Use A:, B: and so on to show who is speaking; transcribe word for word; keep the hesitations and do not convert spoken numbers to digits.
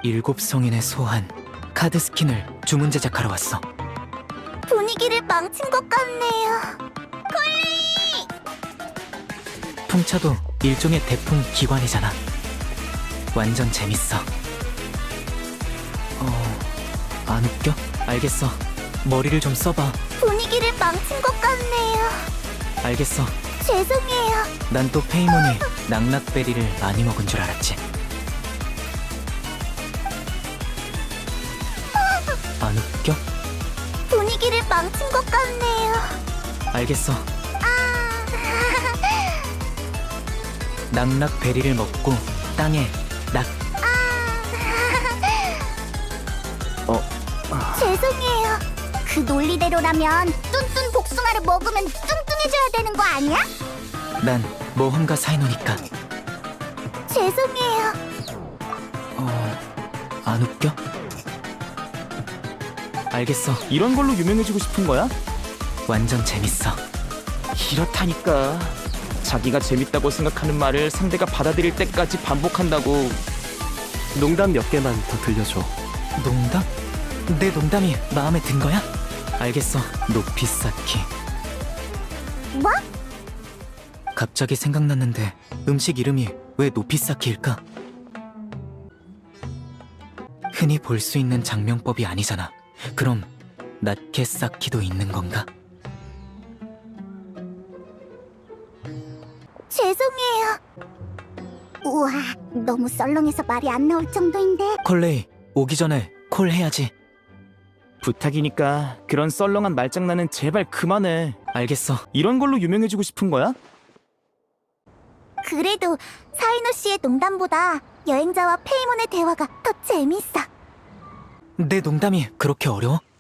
A: 일곱 성인의 소환 카드 스킨을 주문 제작하러 왔어.
B: 분위기를 망친 것 같네요.
A: 풍차도 일종의 대풍 기관이잖아. 완전 재밌어. 어... 안 웃겨? 알겠어. 머리를 좀 써봐.
B: 분위기를 망친 것 같네요.
A: 알겠어.
B: 죄송해요.
A: 난 또 페이몬이 낙낙베리를 많이 먹은 줄 알았지. 안 웃겨?
B: 분위기를 망친 것 같네요.
A: 알겠어.
B: 아...
A: 낙낙베리를 먹고 땅에 낙... 어...
B: 죄송해요. 그 논리대로라면 뚠뚠 복숭아를 먹으면 뚱뚱해져야 되는 거 아니야?
A: 난 모험가 사이노니까.
B: 죄송해요.
A: 어... 안 웃겨? 알겠어.
C: 이런 걸로 유명해지고 싶은 거야?
A: 완전 재밌어.
C: 이렇다니까. 자기가 재밌다고 생각하는 말을 상대가 받아들일 때까지 반복한다고. 농담 몇 개만 더 들려줘.
A: 농담? 내 농담이 마음에 든 거야? 알겠어. 높이 쌓기.
B: 뭐?
A: 갑자기 생각났는데 음식 이름이 왜 높이 쌓기일까? 흔히 볼 수 있는 장명법이 아니잖아. 그럼 낮게 쌓기도 있는 건가?
B: 죄송해요. 우와, 너무 썰렁해서 말이 안 나올 정도인데.
A: 콜레이, 오기 전에 콜 해야지.
C: 부탁이니까 그런 썰렁한 말장난은 제발 그만해.
A: 알겠어.
C: 이런 걸로 유명해지고 싶은 거야?
B: 그래도 사이노 씨의 농담보다 여행자와 페이몬의 대화가 더 재밌어.
A: 내 농담이 그렇게 어려워?